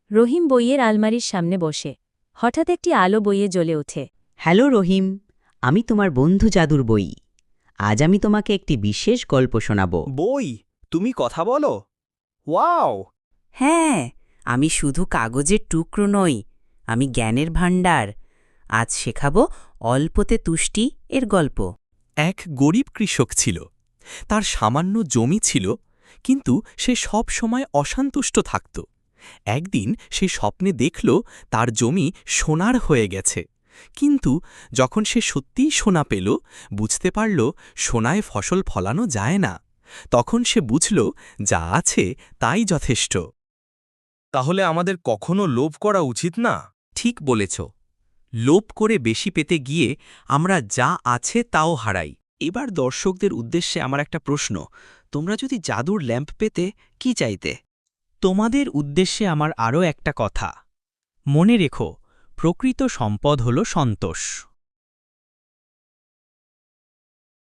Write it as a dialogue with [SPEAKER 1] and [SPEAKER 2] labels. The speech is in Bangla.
[SPEAKER 1] রহিম বইয়ের আলমারির সামনে বসে হঠাৎ একটি আলো বইয়ে জ্বলে ওঠে।
[SPEAKER 2] হ্যালো রহিম, আমি তোমার বন্ধু জাদুর বই। আজ আমি তোমাকে একটি বিশেষ গল্প শোনাব।
[SPEAKER 3] বই? তুমি কথা বলো? ওয়াও!
[SPEAKER 4] হ্যাঁ, আমি শুধু কাগজের টুকরো নই, আমি জ্ঞানের ভাণ্ডার। আজ শেখাবো অল্পতে তুষ্টি এর গল্প।
[SPEAKER 5] এক গরিব কৃষক ছিল। তার সামান্য জমি ছিল, কিন্তু সে সব সময় অসন্তুষ্ট থাকত। একদিন সে স্বপ্নে দেখল তার জমি সোনার হয়ে গেছে। কিন্তু যখন সে সত্যিই সোনা পেল, বুঝতে পারল সোনায় ফসল ফলানো যায় না। তখন সে বুঝল যা আছে তাই যথেষ্ট।
[SPEAKER 3] তাহলে আমাদের কখনো লোভ করা উচিত না?
[SPEAKER 5] ঠিক বলেছ। লোভ করে বেশি পেতে গিয়ে আমরা যা আছে তাও হারাই।
[SPEAKER 6] এবার দর্শকদের উদ্দেশ্যে আমার একটা প্রশ্ন, তোমরা যদি জাদুর ল্যাম্প পেতে কি চাইতে?
[SPEAKER 7] তোমাদের উদ্দেশ্যে আমার আরও একটা কথা। মনে রেখো, প্রকৃত সম্পদ হল সন্তোষ।